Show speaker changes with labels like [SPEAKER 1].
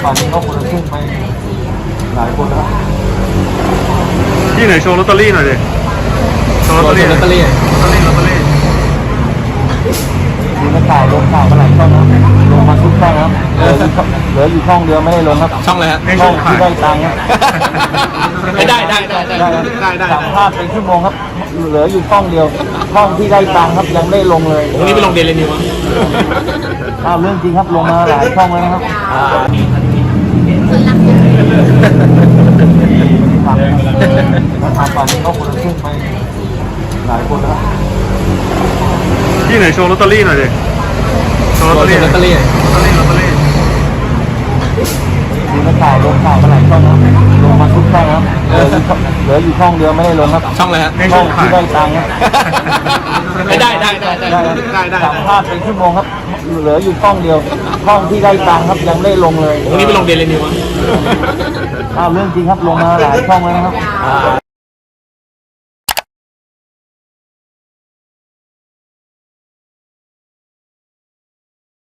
[SPEAKER 1] ป่านนี้ก็คนละครึ่งไปหลายคนแล้ว
[SPEAKER 2] ที่ไหนโชว์ลอตเตอรี่หน่อยดิโชว์ลอตเตอรี่ลอตเตอรี่
[SPEAKER 1] มีนักข่าวลงข่าวมาหลายช่องครับลงมาทุกช่องครับเหลืออยู่ช่องเดียวไม่ได้ลงครับ
[SPEAKER 3] ช่องอะไรฮะ
[SPEAKER 1] ช่องที่ได้ตังค์ครับ
[SPEAKER 3] ได้
[SPEAKER 1] สัมภาษณ์เป็นชั่วโมงครับเหลืออยู่ช่องเดียวช่องที่ได้ตังค์ครับยังไม่ลงเลย
[SPEAKER 3] วันนี้ไปลงเดลินิวมั้ง
[SPEAKER 1] เรื่องจริงครับลงมาหลายช่องแล้วนะครับทำป่านนี้ก็คนละครึ่งไปหลายคนแล้ว
[SPEAKER 2] ที่ไหนโชว์ลอตเตอรี่หน่อยดิโชว์ลอตเตอรี่
[SPEAKER 1] มีนักข่าวลงข่าวมาหลายช่องครับลงมาทุกช่องครับเหลืออยู่ช่องเดียวไม่ได้ลงครับ
[SPEAKER 3] ช่องอะไรฮะ
[SPEAKER 1] ช่องที่ได้ตังค์ครับ
[SPEAKER 3] ได้
[SPEAKER 1] สัมภาษณ์เป็นชั่วโมงครับเหลืออยู่ช่องเดียวช่องที่ได้ตังค์ครับยังไม่ลงเลย
[SPEAKER 3] วันนี้ไปลงเดลินิวมั้ง
[SPEAKER 1] เรื่องจริงครับลงมาหลายช่องแล้วนะครับ